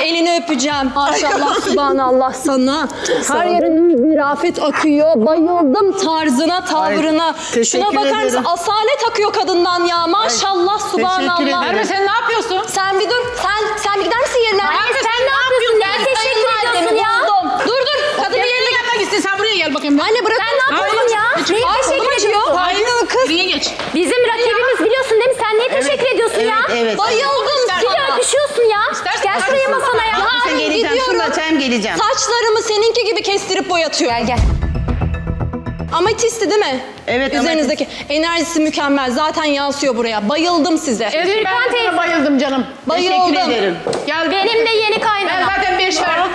elini öpeceğim. Maşallah, subhanallah sana. Her yerin bir afet akıyor. Bayıldım tarzına, tavrına. Şuna bakar mısın? Asalet akıyor kadından ya. Maşallah, subhanallah. Merve sen ne yapıyorsun? Sen bir dur. Sen bir gider misin yerine? Merve sen ne yapıyorsun? Ne teşekkür ediyorsun ya? Dur. Kadın bir yerine gelmek istedim. Sen buraya gel bakayım. Anne bırak. Sen ne yapıyorsun ya? Neye teşekkür ediyorsun? Hayır kız. Buraya geç. Bizim rakibimiz biliyorsun değil mi? Sen neye teşekkür ediyorsun ya? Evet. Bayıldım Bir sana. öpüşüyorsun ya. Gel şuraya masana ya. Sen geleceğim. Şunu açayım geleceğim. Saçlarımı seninki gibi kestirip boyatıyor. Gel. Ametisti değil mi? Evet, Üzerinizdeki enerjisi mükemmel. Zaten yansıyor buraya. Bayıldım size. Gürkan Ben teyze. sana bayıldım canım. Bayıldım. Teşekkür ederim. Gel. Benim de yeni Ben kaynanam. zaten 5 verdim.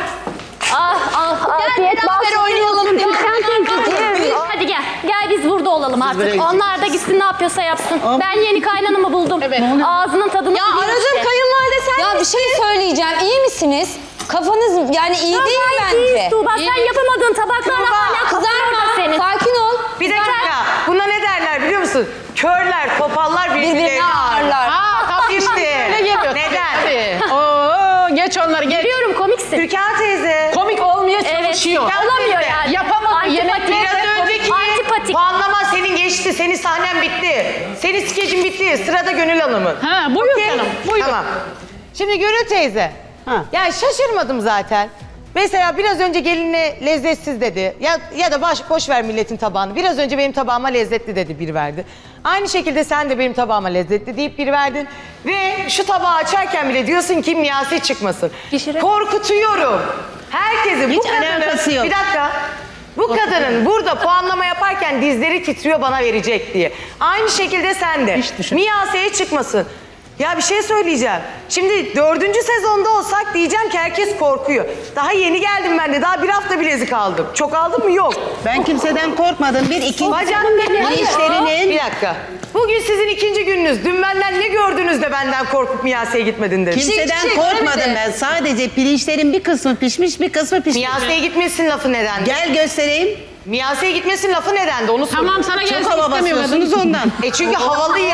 Afiyet beraber oynayalım. Gürkan teyzeciğim. Hadi gel. Gel biz burada olalım buraya artık. gidin. Onlar da gitsin ne yapıyorsa yapsın. Ben yeni kaynanamı buldum. Evet. Ağzının tadını Ya biliyor aradığım işte. kayınvalide sen. Ya bir şey söyleyeceğim. İyi misiniz? Kafanız yani iyi Ya değil gayet bence. iyiyiz Tuğba. Sen yapamadığın tabaklarla hala kızarma senin. Sakin ol. Bir dakika. Buna ne derler biliyor musun? Körler, topallar birbirlerini ağırlar. Tam İşte. öyle geliyor. Neden? Tabii. Oo, geç onları geç. Biliyorum komiksin. Türkan teyze. Komik olmaya çalışıyor. Olamıyor yani. Yapamadı. Antipatik. Yemekleri Biraz önceki Antipatik. puanlama senin geçti. Senin sahnen bitti. Senin skecin bitti. Sırada Gönül Hanım'ın. Ha, buyur Okey? canım. Buyur. Tamam. Şimdi Gönül teyze. Ha. Yani şaşırmadım zaten. Mesela biraz önce gelinle lezzetsiz dedi. Ya da boş ver milletin tabağını. Biraz önce benim tabağıma lezzetli dedi, bir verdi. Aynı şekilde sen de benim tabağıma lezzetli deyip bir verdin. Ve şu tabağı açarken bile diyorsun ki miyasi çıkmasın. Pişire- Korkutuyorum. Herkesi Hiç alakası yok. Bir dakika. Bu kadının burada puanlama yaparken dizleri titriyor bana verecek diye. Aynı şekilde sen de. Miyaseye çıkmasın. Ya bir şey söyleyeceğim. Şimdi 4. sezonda olsak diyeceğim ki herkes korkuyor. Daha yeni geldim ben de. Daha bir hafta bilezik aldım. Çok aldın mı? Yok. Ben kimseden korkmadım. Bir ikinci işlerinin... Bir dakika. Bugün sizin 2. gününüz. Dün benden ne gördünüz de benden korkup Miyase'ye gitmedin dedim. Kimseden korkmadım ben. Sadece pirinçlerin bir kısmı pişmiş, bir kısmı pişmiş. Miyase'ye gitmesin lafı nedendi? Gel göstereyim. Miyase'ye gitmesin lafı nedendi? Onu soruyorum. Tamam sana gelsin Çok hava istemiyorum. basıyorsunuz ondan. Çünkü havalıyım.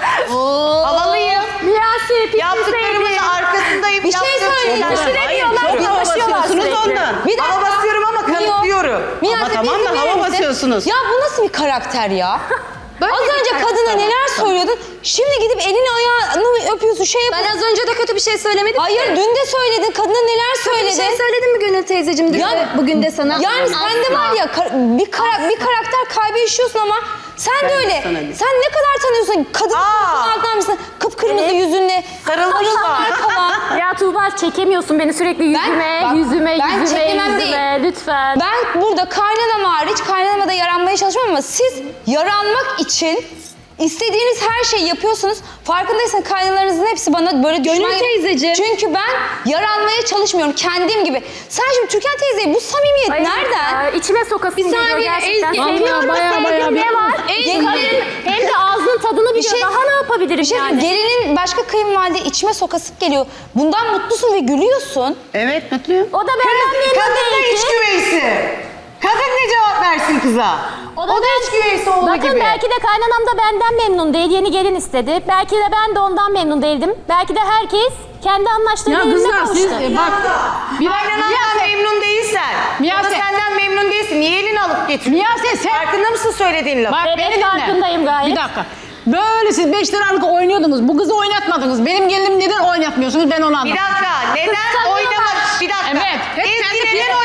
Havalıyım. Miyasi, Yaptıklarımın arkasındayım. Bir şey söyleyeyim. Pişiremiyorlar. Çok hava basıyorsunuz ondan. Bir dakika. Hava basıyorum ama kanıtlıyorum. Miyase, Ama tamam bir da izin hava verir misin? basıyorsunuz. Ya bu nasıl bir karakter ya? Az bir önce karakter kadına var. neler söylüyordun. Şimdi gidip elini ayağını öpüyorsun. Şey Ben az önce de kötü bir şey söylemedim. Hayır dün de söyledin. Kadına neler Bir söyledin. şey söyledim mi Gönül teyzeciğim? Ya- Bugün de sana. Yani sende var ya bir karakter kaybı yaşıyorsun ama sen de öyle. sana bir- Sen ne kadar tanıyorsun? Kadın altından mısın? Kıpkırmızı yüzünle. Sarılmışlar. falan. Ya Tuğba çekemiyorsun beni sürekli yüzüme, bak, yüzüme, ben yüzüme, çekemem yüzüme. Lütfen. Ben burada kaynanam hariç kaynanama da yaranmaya çalışmam ama siz yaranmak için istediğiniz her şeyi yapıyorsunuz. Farkındaysanız kaynanalarınızın hepsi bana böyle düşman. Gönül teyzeciğim. Çünkü ben yaranmaya çalışmıyorum kendim gibi. Sen şimdi Türkan teyzeyi bu samimiyet Ay, nereden? ya, içime sokasın Bir geliyor saniye, gerçekten. Ezgi. Seviyorum da Bayağı, bayağı sevdiğim ne bir- var? Ezgi. Kadın hem de ağzının tadını biliyor. şey- Daha ne yapabilirim Bir şey yani? gelinin başka kayınvalide içime sokasıp geliyor. Bundan mutlusun ve gülüyorsun. Evet, mutluyum. O da benden memnun Kadın da değil iç ki. güveysi. Kadın ne cevap versin kıza? O da iç güveysi oğlu Bakın gibi. belki de kaynanam da benden memnun değil. Yeni gelin istedi. Belki de ben de ondan memnun değildim. Belki de herkes kendi anlaştığıyla Ya önüne kızlar siz kavuştu. bak. Bir Kaynanandan memnun değilsen, o da Miyase. senden memnun değilsin. Niye elini alıp getiriyorsun? Miyase sen... Farkında mısın söylediğin lafı? Bak Evet, beni dinle. farkındayım gayet. Bir dakika. Böyle siz 5 liralık oynuyordunuz. Bu kızı oynatmadınız. Benim gelinim neden oynatmıyorsunuz ben onu Bir anlamadım. dakika, neden Kıskanıyorlar. oynamak? Bir dakika. Evet, hep Ezgi kendi neden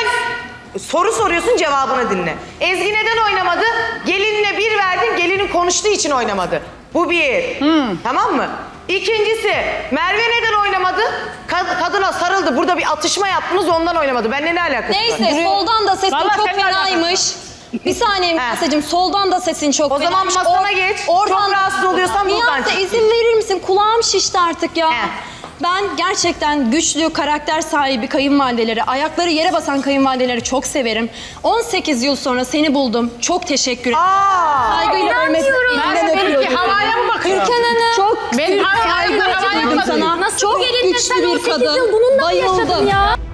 Soru soruyorsun, cevabını dinle. Ezgi neden oynamadı? Gelinle bir verdin, gelinin konuştuğu için oynamadı. Bu bir. Tamam mı? İkincisi, Merve neden oynamadı? Kadına sarıldı, burada bir atışma yaptınız, ondan oynamadı. Benimle ne alakası var? Neyse soldan da sesin Vallahi çok seninle alakası fenaymış. Bir saniye Miyase'cim, soldan da sesin çok O zaman fenaymış. masana geç. Çok rahatsız oluyorsan buradan Miyase çık. izin verir misin? Kulağım şişti artık ya. He. Ben gerçekten güçlü, karakter sahibi kayınvalideleri, ayakları yere basan kayınvalideleri çok severim. 18 yıl sonra seni buldum. Çok teşekkür ederim. Saygıyla İnanmıyorum. Merve benimki havaya mı bakıyor? Türkan Hanım. Çok Benim büyük havaya saygı havaya duydum bakıyor. sana. Nasıl çok gelinle güçlü sen bir 18 kadın. yıl bununla mı Bayıldım. yaşadın ya?